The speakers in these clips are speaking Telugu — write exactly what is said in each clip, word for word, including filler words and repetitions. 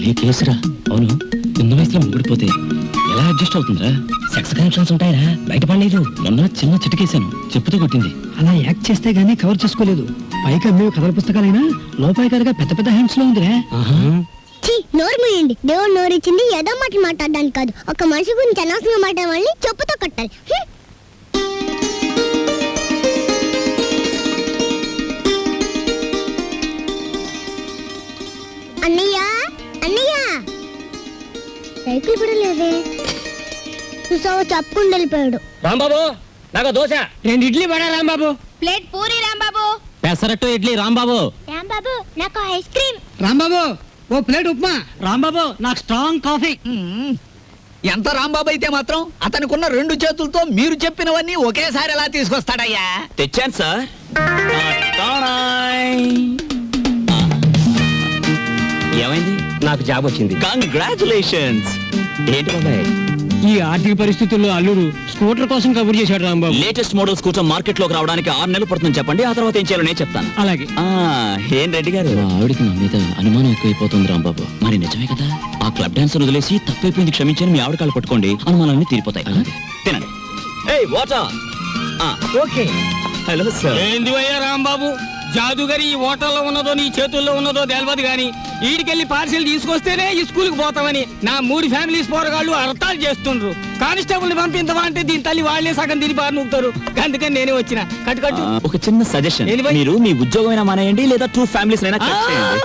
భలే కేసురా. అవును, చిన్న వయసులో ముడిపోతే ఎలా అడ్జస్ట్ అవుతుందిరా? సెక్స్ కనెక్షన్స్ ఉంటాయరా, బయటపడలేదు. మొన్న చిన్న చిటికేశాను, చెప్పుతో కొట్టింది. అలా యాక్ట్ చేస్తే గానీ కవర్ చేసుకోలేదు. పైగా మేము కథల పుస్తకాలైనా లోపాయికారిగా పెద్ద పెద్ద హ్యాండ్స్ లో ఉందిరా. నోరు మూయండి. దేవుడు నోరు ఇచ్చింది ఏదో మాట మాట్లాడడానికి కాదు. ఒక మనిషి గురించి అనవసరంగా మాట్లాడాలని చెప్పుతో కట్టాలి. అన్నయ్య అన్నయ్య సైకిల్ కూడా లేదే. చూసావా, చెప్పుకుండా వెళ్ళిపోయాడు. రాంబాబు, నాకు దోశ. రెండు ఇడ్లీ పడా రాంబాబు. ప్లేట్ పూరి రాంబాబు. పెసరట్టు ఇడ్లీ రాంబాబు. రాంబాబు, నాకు ఐస్ క్రీమ్. రాంబాబు, ఓ ప్లేట్ ఉప్మా. రాంబాబు, నాకు స్ట్రాంగ్ కాఫీ. ఎంత రాంబాబు అయితే మాత్రం అతనికున్న రెండు చేతులతో మీరు చెప్పినవన్నీ ఒకేసారి ఎలా తీసుకొస్తాడయ్యా? తెచ్చాను సార్. ఏమైంది? నాకు జాబ్ వచ్చింది. కంగ్రాచులేషన్స్. ఏంటి బాబాయ్, ఈ ఆర్థిక పరిస్థితుల్లో అల్లుడు స్కూటర్ కోసం కబుర్ చేశాడు Rambabu. Latest model scooter market లోకి రావడానికి ఆరు నెలలు పడుతుంది చెప్పండి, ఆ తర్వాత ఏం చేయాలో నేను చెప్తాను. అలాగే. ఆ ఏం రెడ్డి గారు, ఆవిడికి నా మీద అనుమానం ఎక్కువైపోతుంది రాంబాబు. మరి నిజమే కదా, ఆ క్లబ్ డాన్స్ వదిలేసి తప్పైపోయింది క్షమించని మీ ఆవిడ కాళ్ళు పట్టుకోండి, అనుమానాలన్నీ తీరిపోతాయి. తినండి. ఏయ్ వాటర్. ఓకే. Hello sir. ఏంది అయ్యా రాంబాబు, జాదుగరి ఈ హోటల్లో ఉన్నదో నీ చేతుల్లో ఉన్నదో తెలియదు గాని ఈడికెళ్ళి పార్సిల్ తీసుకొస్తేనే ఈ స్కూల్కి పోతామని నా మూడు ఫ్యామిలీస్ పోరగాళ్ళు అర్థాలు చేస్తుండ్రు. కానిస్టేబుల్ ని పంపించవా అంటే దీని తల్లి వాళ్లే సగం తిరిగి బారి నూపుతారు. అందుకని నేనే వచ్చిన. కట్టు కట్టు. ఒక చిన్న సజెషన్, మీరు మీ ఉద్యోగం మానేయండి, లేదా టూ ఫ్యామిలీస్ అయినా కట్ చేయండి.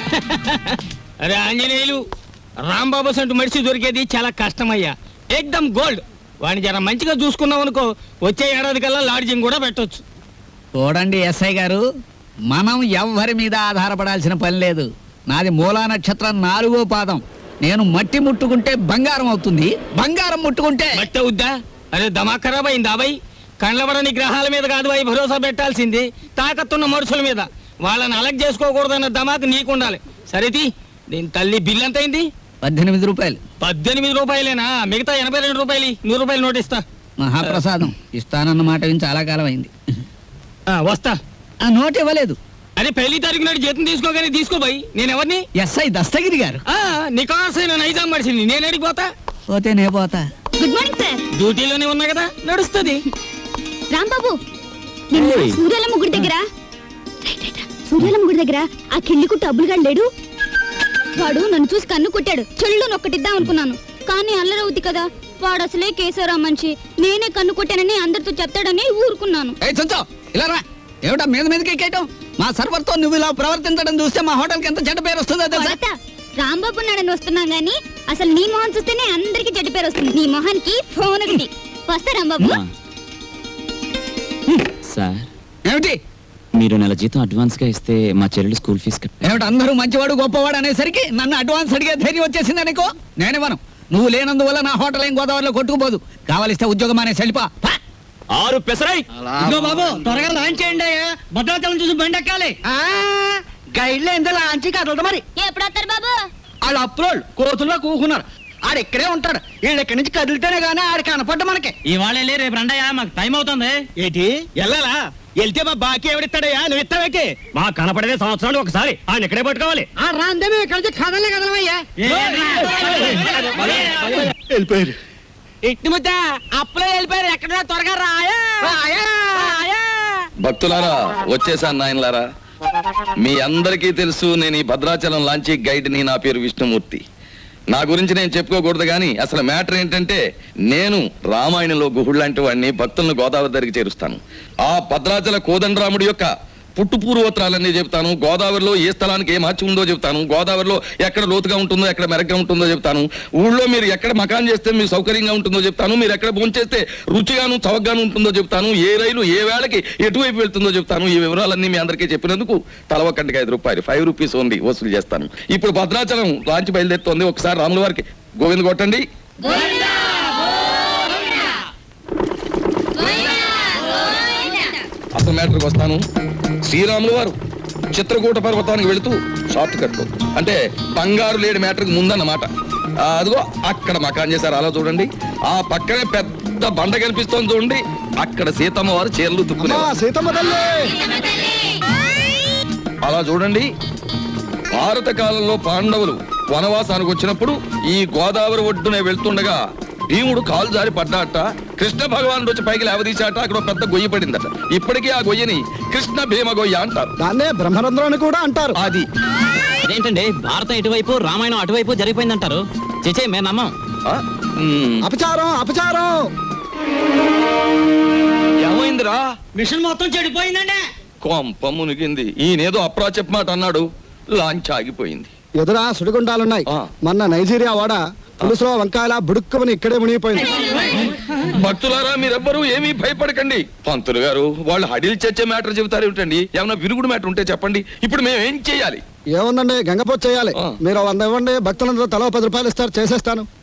అరే ఆంజనేయులు, రాంబాబు సంటూ మనిషి దొరికేది చాలా కష్టమయ్యా. ఏకదమ్ గోల్డ్. వాడిని జర మంచిగా చూసుకున్నాం అనుకో, వచ్చే ఏడాది కల్లా లాడ్జింగ్ కూడా పెట్టొచ్చు. చూడండి ఎస్ఐ గారు, మనం ఎవ్వరి మీద ఆధారపడాల్సిన పని లేదు. నాది మూలా నక్షత్రం నాలుగో పాదం. నేను మట్టి ముట్టుకుంటే బంగారం అవుతుంది, బంగారం ముట్టుకుంటే మట్టి అవుద్దా? అరే దమా ఖరాబ్ అయింది అబ్బాయి. కండ్లబడని గ్రహాల మీద కాదు అవి భరోసా పెట్టాల్సింది, తాకత్తున్న మనుషుల మీద. వాళ్ళని అలగ్ చేసుకోకూడదన్న దమాకు నీకుండాలి. సరేది, దీని తల్లి బిల్ ఎంత అయింది? పద్దెనిమిది రూపాయలు. పద్దెనిమిది రూపాయలేనా? మిగతా ఎనభై రెండు రూపాయలు నూరు రూపాయలు నోటిస్తా. మహాప్రసాదం. ఇస్తానన్న మాట విని చాలా కాలం అయింది. వస్తా. ఆ నోట్ ఇవ్వలేదు. అదే పెళ్లి తారీఖు నాడు జీతం తీసుకోగానే తీసుకోబోయి. నేను ఎవరిని? ఎస్ఐ దస్తగిరి గారు. నికాసైన నైజాం మనిషిని. నేను ఎడికి పోతా? పోతే నే పోతా. Good morning sir. డ్యూటీలోనే ఉన్నా కదా, నడుస్తుంది. రాంబాబు, సూర్యాల ముగ్గురు దగ్గర సూర్యాల ముగ్గురు దగ్గర ఆ కిళ్ళి కుట్టు అబ్బులుగా లేడు. వాడు నన్ను చూసి కన్ను కొట్టాడు. చెల్లు నొక్కటిద్దాం అనుకున్నాను, కానీ అల్లరవుద్ది కదా. వాడు అసలే కేశవరావు మనిషి. నేనే కన్ను కొట్టానని అందరితో చెప్తాడని ఊరుకున్నాను. ఇలా రా. ఏమిటా మీద మీదకి ఎక్కేయటం? మా సర్వర్తో నువ్వు ఇలా ప్రవర్తించడం చూస్తే మా హోటల్కి ఎంత చెడ్డ పేరు వస్తుందో తెలుసా? రాంబాబు నాడని వస్తున్నాం గానీ అసలు నీ మొహం చూస్తేనే అందరికి చెడ్డ పేరు వస్తుంది. నీ మొహానికి ఫోన్ ఒకటి. వస్తా రాంబాబు. సార్, ఏమిటి? మీరు నెల జీతం అడ్వాన్స్ గా ఇస్తే మా చెల్లెలు స్కూల్ ఫీజు కట్ట. ఏమిటి అందరూ మంచివాడు గొప్పవాడు అనేసరికి నన్ను అడ్వాన్స్ అడిగే ధైర్యం వచ్చేసింది అనుకో. నేనేమను, నువ్వు లేనందువల్ల నా హోటల్ ఏం గోదావరిలో కొట్టుకుపోదు. కావాలిస్తే ఉద్యోగం అనే సెలిపా. ఆరు పెసరై. బాబు, త్వరగా లాంచ్ చేయండి. భద్రాచలం చూసి బండి ఎక్కాలి. గైడ్లో ఎంత లాంచి కదలదు మరి. ఎప్పుడు వస్తారు బాబు? వాళ్ళు అప్రోళ్ళు కోతుల్లో కూకున్నారు. ఆడు ఇక్కడే ఉంటాడు. వీళ్ళు ఇక్కడి నుంచి కదిలితేనే గానీ ఆడు కనపడ్డ మనకి. ఇవాళ వెళ్ళి రేపు రండయ్యా, మాకు టైం అవుతుంది. ఏంటి వెళ్ళాలా? వెళ్తే మా బాకీ ఎవడిస్తాడయ్యా? నువ్వు ఇస్తావేకే? మా కనపడేదే సంవత్సరాలు ఒకసారి. ఆయన ఇక్కడే పట్టుకోవాలి. ఆ రాందే మేము ఇక్కడ నుంచి కదలే కదలమయ్యా. వెళ్ళిపోయారు. ఇట్టి ముద్ద అప్పులే వెళ్ళిపోయారు. ఎక్కడ త్వరగా రాయా. భక్తులారా, వచ్చేసాను నాయనలారా. మీ అందరికీ తెలుసు, నేను ఈ భద్రాచలం లాంచీ గైడ్ని. నా పేరు విష్ణుమూర్తి. నా గురించి నేను చెప్పుకోకూడదు కానీ అసలు మ్యాటర్ ఏంటంటే, నేను రామాయణంలో గుహుడు లాంటి వాడిని. భక్తులను గోదావరి దగ్గరికి చేరుస్తాను. ఆ భద్రాచల కోదండరాముడి యొక్క పుట్టు పూర్వోత్తరాలన్నీ చెప్తాను. గోదావరిలో ఏ స్థలానికి ఏ మార్చి ఉందో చెప్తాను. గోదావరిలో ఎక్కడ లోతుగా ఉంటుందో, ఎక్కడ మెరగ్గా ఉంటుందో చెప్తాను. ఊళ్ళో మీరు ఎక్కడ మకాన్ చేస్తే మీకు సౌకర్యంగా ఉంటుందో చెప్తాను. మీరు ఎక్కడ భోంచేస్తే రుచిగాను చవకగాను ఉంటుందో చెప్తాను. ఏ రైలు ఏ వేళకి ఎటువైపు వెళ్తుందో చెప్తాను. ఈ వివరాలన్నీ మీ అందరికీ చెప్పినందుకు తల ఒక్కటికి ఐదు రూపాయలు ఫైవ్ రూపీస్ ఓన్లీ వసూలు చేస్తాను. ఇప్పుడు భద్రాచలం లాంచ్ బయలుదేరుతోంది. ఒకసారి రాముల వారికి గోవింద కొట్టండి. అసలు మ్యాటర్కి వస్తాను. శ్రీరాములు వారు చిత్రకూట పర్వతానికి వెళుతూ షార్ట్ కట్ లో, అంటే బంగారు లేడి మ్యాటర్కి ముందన్నమాట. అదిగో అక్కడ మకాన్ చేశారు, అలా చూడండి. ఆ పక్కనే పెద్ద బండ కనిపిస్తోంది చూడండి. అక్కడ సీతమ్మ వారు చీరలు తుక్కునే అలా చూడండి. భారత కాలంలో పాండవులు వనవాసానికి వచ్చినప్పుడు ఈ గోదావరి ఒడ్డునే వెళ్తుండగా భీముడు కాలు జారి పడ్డాట. కృష్ణ భగవానుడు వచ్చి పైకి లేవదీశాట. అక్కడ ఒక పెద్ద గొయ్యి పడిందట. ఇప్పటికీ ఆ గొయ్యని కృష్ణ భీమ గొయ్య అంటారు. దాన్నే బ్రహ్మరంధ్రం అని కూడా అంటారు. అది అదేంటండి భారతం ఇటువైపు రామాయణం అటువైపు జరిగిపోయిందంటారు. చేచే మేము నమ్మం. ఆ? ఉమ్. అపచారం అపచారం. ఏమైందిరా? మిషన్ మొత్తం చెడిపోయిందండి. కొంప మునిగింది. ఈయనేదో అప్రా చెప్పమాట అన్నాడు. లాంచ్ ఆగిపోయింది. ఎదురా సుడిగుండాలున్నాయి. ఆ. మొన్న నైజీరియా వాడ పులుసులో వంకాయల బుడుక్కుమని ఇక్కడే మునిగిపోయింది. భక్తులారా మీరెవ్వరూ ఏమీ భయపడకండి. పంతులు గారు వాళ్ళు హడిల్ చచ్చే మ్యాటర్ చెబుతారు ఏమిటండి? ఏమైనా విరుగుడు మ్యాటర్ ఉంటే చెప్పండి. ఇప్పుడు మేము ఏం చేయాలి? ఏముందండి, గంగపోతు చేయాలి. ఆ. మీరు వంద ఇవ్వండి, భక్తులందరూ తలో పది రూపాయలు ఇస్తారు, చేసేస్తాను.